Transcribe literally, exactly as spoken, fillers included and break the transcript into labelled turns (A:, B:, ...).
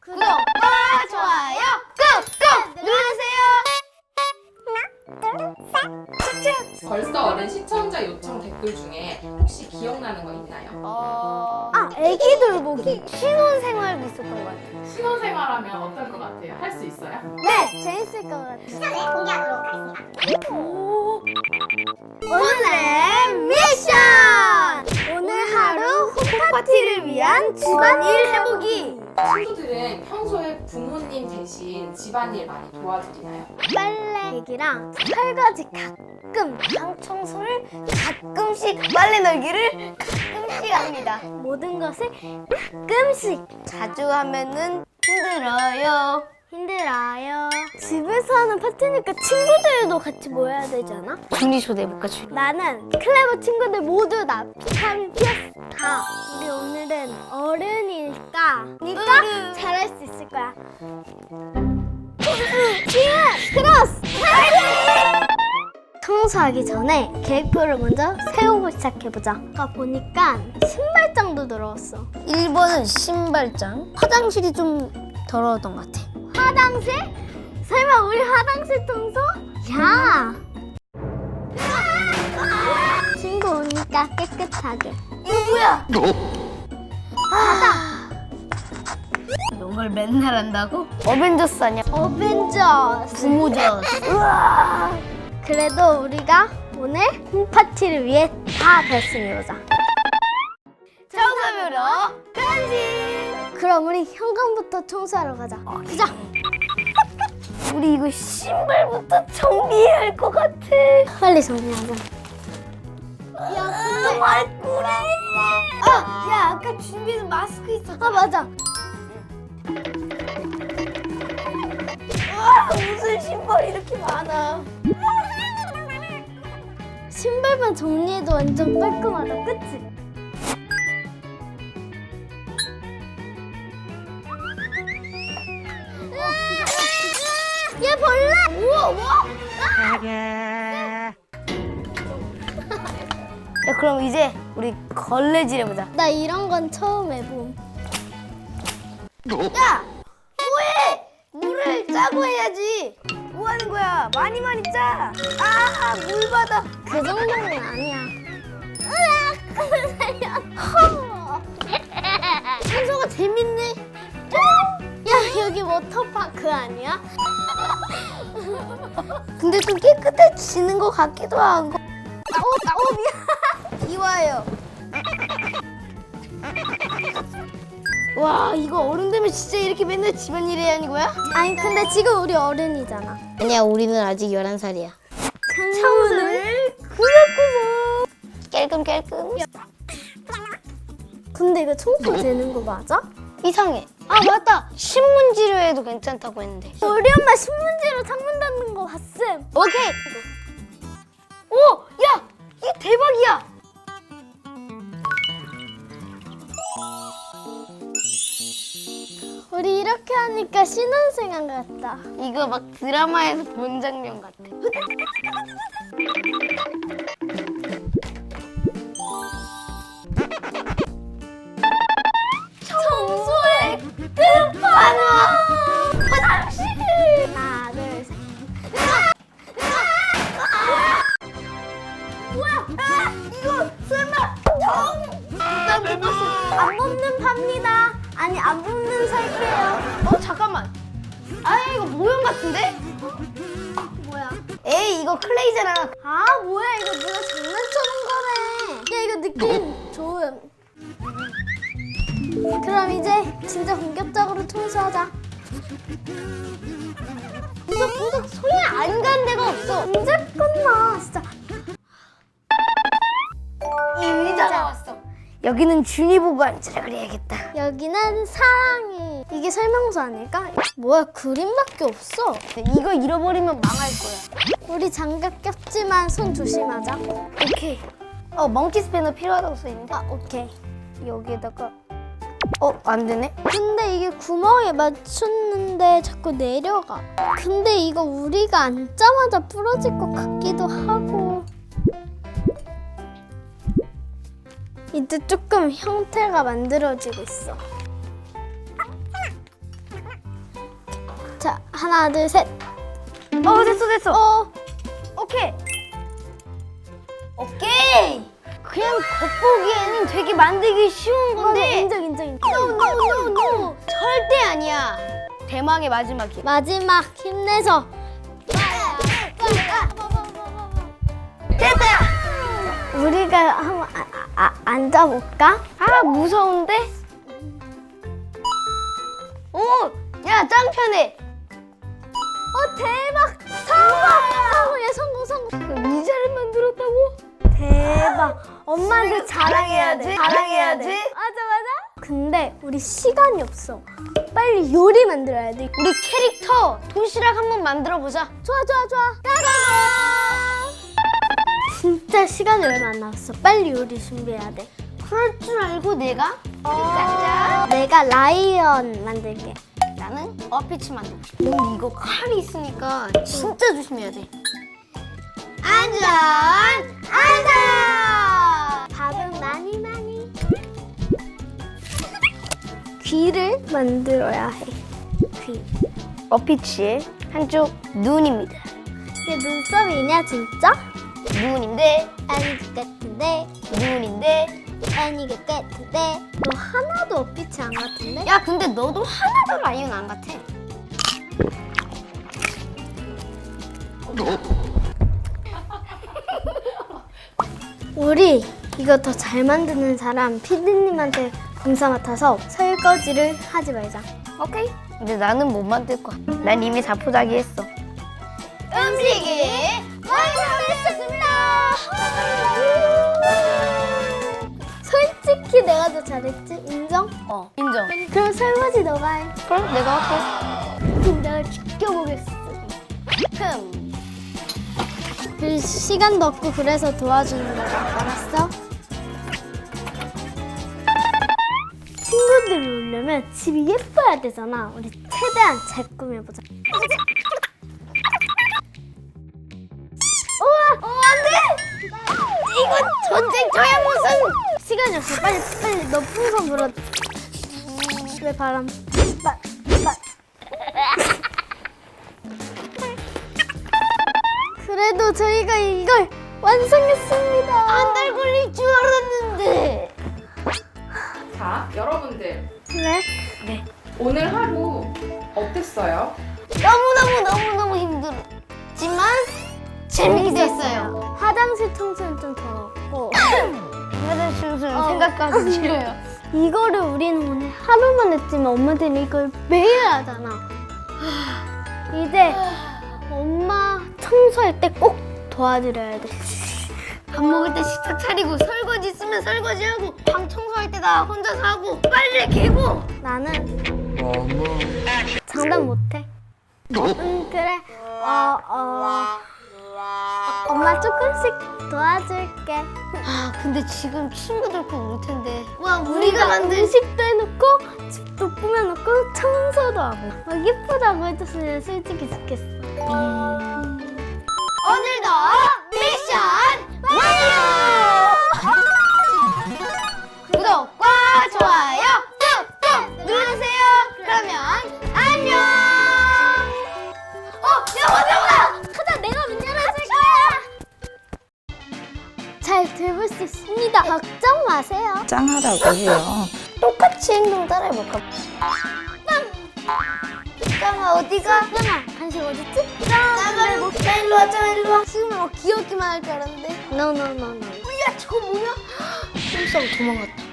A: 구독과 좋아요 꾹꾹 누르세요.
B: 벌써 어른 시청자 요청 댓글 중에 혹시 기억나는 거 있나요?
A: 어... 아, 애기 돌보기. 신혼생활도 있었던 것 같아요.
B: 신혼생활하면 어떨 것 같아요? 할 수 있어요?
A: 네, 재밌을 것 같아요.
C: 시간을 공개하도록 하겠습니다.
A: 오. 오늘의 미션! 오늘 하루 홈파티를 위한 집안일 해보기.
B: 친구들은 평소에 부모님 대신 집안일 많이 도와주시나요?
A: 빨래기랑 설거지 가끔, 방 청소를 가끔씩, 빨래 널기를 가끔씩 합니다. 모든 것을 가끔씩. 자주 하면은 힘들어요. 힘들어요. 집에서 하는 파티니까 친구들도 같이 모여야 되지 않아? 준이 초대해볼까, 준이? 나는 클레버 친구들 모두 다 비타민 피어스 다. 우리 오늘은 어른이니까 니까 잘할 수 있을 거야. 지금 크로스! 청소하기 전에 계획표를 먼저 세우고 시작해보자. 아까 보니까 신발장도 들어왔어. 일 번은 신발장. 화장실이 좀 더러웠던 것 같아. 화장실? 설마 우리 화장실 청소? 야! 친구 오니까 깨끗하게. 이거 뭐야? 바다! 이런 걸 맨날 한다고? 어벤져스 아니야? 어벤져스. 부모저스. 우와! 그래도 우리가 오늘 홈파티를 위해 다 됐습니다. 청소부로 간식! 그럼 우리 현관부터 청소하러 가자. 어, 가자! 우리 이거 신발부터 정리해야 할 것 같아. 빨리 정리하자. 야, 근데 말꾸레! 아, 야, 아까 준비한 마스크 있었잖아. 아, 맞아. 와, 무슨 신발이 이렇게 많아. 신발만 정리해도 완전 깔끔하다, 그치? 야, 벌레! 우와, 우와! 야, 그럼 이제 우리 걸레질 해보자. 나 이런 건 처음 해봄. 야! 뭐해! 물을 짜고 해야지. 뭐 하는 거야? 많이 많이 짜. 아, 물 받아. 그 정도는 아니야. 으악! 살려. 청소가 재밌네. 야, 여기 워터파크 아니야? 근데 좀 깨끗해지는 것 같기도 하고. 어, 어, 미안. 이와요. 와, 이거 어른 되면 진짜 이렇게 맨날 집안일 해야 하는 거야? 아니, 근데 지금 우리 어른이잖아. 아니야, 우리는 아직 열한 살이야. 창문을 구석구석 깔끔깔끔. 근데 이거 청소 되는 거 맞아? 이상해. 아, 맞다. 신문지로 해도 괜찮다고 했는데. 우리 엄마 신문지로 창문 닫는 거 봤음. 오케이. 오, 야, 이게 대박이야. 우리 이렇게 하니까 신혼생활 같다. 이거 막 드라마에서 본 장면 같아. 청소의 끝판왕! 화장실! 하나, 둘, 셋. 뭐야? 아, 이거 설마 정! 안 뽑는 팝니다. 아니, 안 뽑는 살게요. 어, 잠깐만. 아, 이거 모형 같은데? 어? 뭐야? 에이, 이거 클레이잖아. 아, 뭐야? 이거 누가 장난쳐놓은 거네. 야, 이거 느낌 좋음. 그럼 이제 진짜 본격적으로 청소하자. 구석구석 소리 안 가는 데가 없어. 언제 끝나, 진짜. 이 의자가 왔어. 여기는 준이 보고 앉으라 그래야겠다. 여기는 사랑이. 이게 설명서 아닐까? 뭐야, 그림밖에 없어. 이거 잃어버리면 망할 거야. 우리 장갑 꼈지만 손 조심하자. 오케이. 어, 멍키 스패너 필요하다고 써있는데. 아, 오케이. 여기에다가. 어, 안 되네. 근데 이게 구멍에 맞췄는데 자꾸 내려가. 근데 이거 우리가 앉자마자 부러질 것 같기도 하고. 이제 조금 형태가 만들어지고 있어. 자, 하나, 둘, 셋. 어, 됐어, 됐어. 어, 오케이. 오케이. 그냥 겉보기에는 되게 만들기 쉬운 건데. 인정, 인정, 인정. No, no, no, no. 절대 아니야. 대망의 마지막이야. 마지막 힘내서. 됐다. 우리가 한번 아, 아, 앉아볼까? 아, 무서운데? 오, 야, 짱 편해. 어, 대박! 성공! 성공! 얘 성공, 성공! 의자를 만들었다고? 대박! 엄마한테 자랑해야 돼. 자랑해야 돼. 맞아, 맞아. 근데 우리 시간이 없어. 빨리 요리 만들어야 돼. 우리 캐릭터 도시락 한번 만들어 보자. 좋아, 좋아, 좋아. 따라가! 진짜 시간이 얼마 안 남았어. 빨리 요리 준비해야 돼. 그럴 줄 알고 내가 짠짠. 내가 라이언 만들게. 나는 어피치 만들고 싶어. 근데 이거 칼이 있으니까 진짜 조심해야 돼. 안전! 안전! 밥은 많이 많이. 귀를 만들어야 해. 귀. 어피치의 한쪽 눈입니다. 이게 눈썹이냐 진짜? 눈인데 아닌 것 같은데 눈인데 아닌 것 같은데 너 하나도 어피치 안 같은데? 야 근데 너도 하나도 라이언 안 같아. 우리 이거 더 잘 만드는 사람 피디님한테 공사 맡아서 설거지를 하지 말자. 오케이. 근데 나는 못 만들 거야. 난 이미 자포자기 했어. 음식이 완성됐습니다. 솔직히 내가 더 잘했지? 인정? 어, 인정. 그럼 설거지 너가 해. 그럼 내가 할게. 그럼 내가 지켜보겠어. 흠. 그 시간도 없고 그래서 도와주는 거야. 알았어? 친구들이 오려면 집이 예뻐야 되잖아. 우리 최대한 잘 꾸며보자. 우와! 어, 안 돼! 이건 전쟁터야 무슨! 시간이 없어. 빨리 빨리 너 풍선 불어. 왜 바람? 빨 빨. 그래도 저희가 이걸 완성했습니다. 한 달 걸릴 줄 알았는데.
B: 자, 여러분들
A: 그래? 네.
B: 오늘 하루 어땠어요?
A: 너무너무 너무너무 힘들었지만 재밌게 했어요. 화장실 청소는 좀 더웠고 화장실 청소는
B: 어.
A: 생각까지 싫어요. 이거를 우리는 오늘 하루만 했지만 엄마들은 이걸 매일 하잖아. 이제 엄마 청소할 때 꼭 도와드려야 돼. 밥 먹을 때 식탁 차리고 설거지 있으면 설거지하고 방 청소할 때 나 혼자서 하고 빨래 개고. 나는 장담 못해. 응 그래. 어 어. 엄마 조금씩 도와줄게. 아 근데 지금 친구들 꼭 올 텐데. 와 우리가 만든 음식도 해놓고 집도 꾸며놓고 청소도 하고 막 예쁘다고 해줬으면 솔직히 좋겠어. 오늘도 미션 완료! 구독과 좋아요 꾹꾹 눌러주세요. 그러면 안녕. 어, 야 맞아 맞아. 가자 내가 문 열어줄 거야. 잘 들을 수 있습니다. 걱정 마세요.
D: 짱하다고 해요.
A: 똑같이 행동 따라해볼까? 짱! 짱아 어디가? 짱아 간식 어딨지? 짱아 뭐 짱 일로 와 짱아 일로 와. 지금 뭐 귀엽기만 할 줄 알았는데. 노노노노. 야 저거 뭐야? 깜짝 도망갔다.